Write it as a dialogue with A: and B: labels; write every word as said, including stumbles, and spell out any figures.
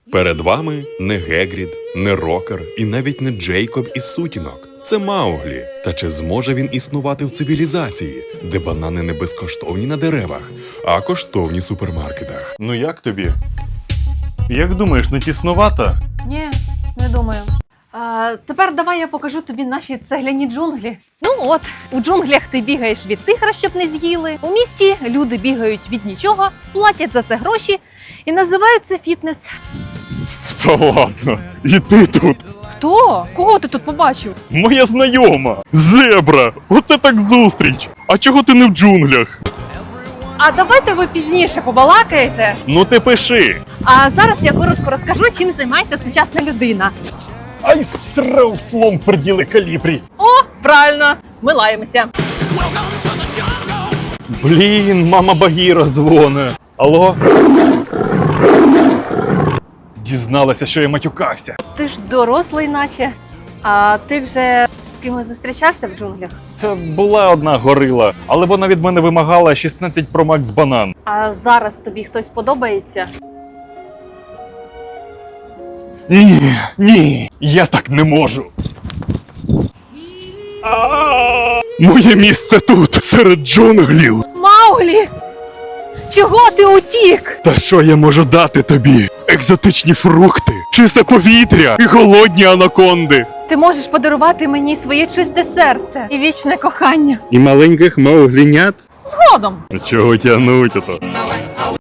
A: Перед вами не Гегрід, не Рокер і навіть не Джейкоб із сутінок. Це Мауглі. Та чи зможе він існувати в цивілізації, де банани не безкоштовні на деревах, а коштовні в супермаркетах?
B: Ну як тобі? Як думаєш, не тіснувато?
C: Ні, не думаю. А, тепер давай я покажу тобі наші цегляні джунглі. Ну от, у джунглях ти бігаєш від тигра, щоб не з'їли. У місті люди бігають від нічого, платять за це гроші і називають це фітнес.
B: Та ладно, і ти тут.
C: Хто? Кого ти тут побачив?
B: Моя знайома. Зебра. Оце так зустріч. А чого ти не в джунглях?
C: А давайте ви пізніше побалакаєте.
B: Ну ти пиши.
C: А зараз я коротко розкажу, чим займається сучасна людина.
B: Ай, срав слон приділи калібрі.
C: О, правильно, ми лаємося.
B: Блін, мама Багіра дзвоне. Алло? Дізналася, що я матюкався.
C: Ти ж дорослий наче. А ти вже з кимось зустрічався в джунглях?
B: Та була одна горила, але вона від мене вимагала шістнадцять Pro Max банан.
C: А зараз тобі хтось подобається?
B: Ні, ні, я так не можу. Моє місце тут, серед джунглів.
C: Мауглі! Чого ти утік?
B: Та що я можу дати тобі? Екзотичні фрукти, чисте повітря і голодні анаконди.
C: Ти можеш подарувати мені своє чисте серце і вічне кохання.
B: І маленьких мауглінят?
C: Згодом.
B: Чого тягнуть ото?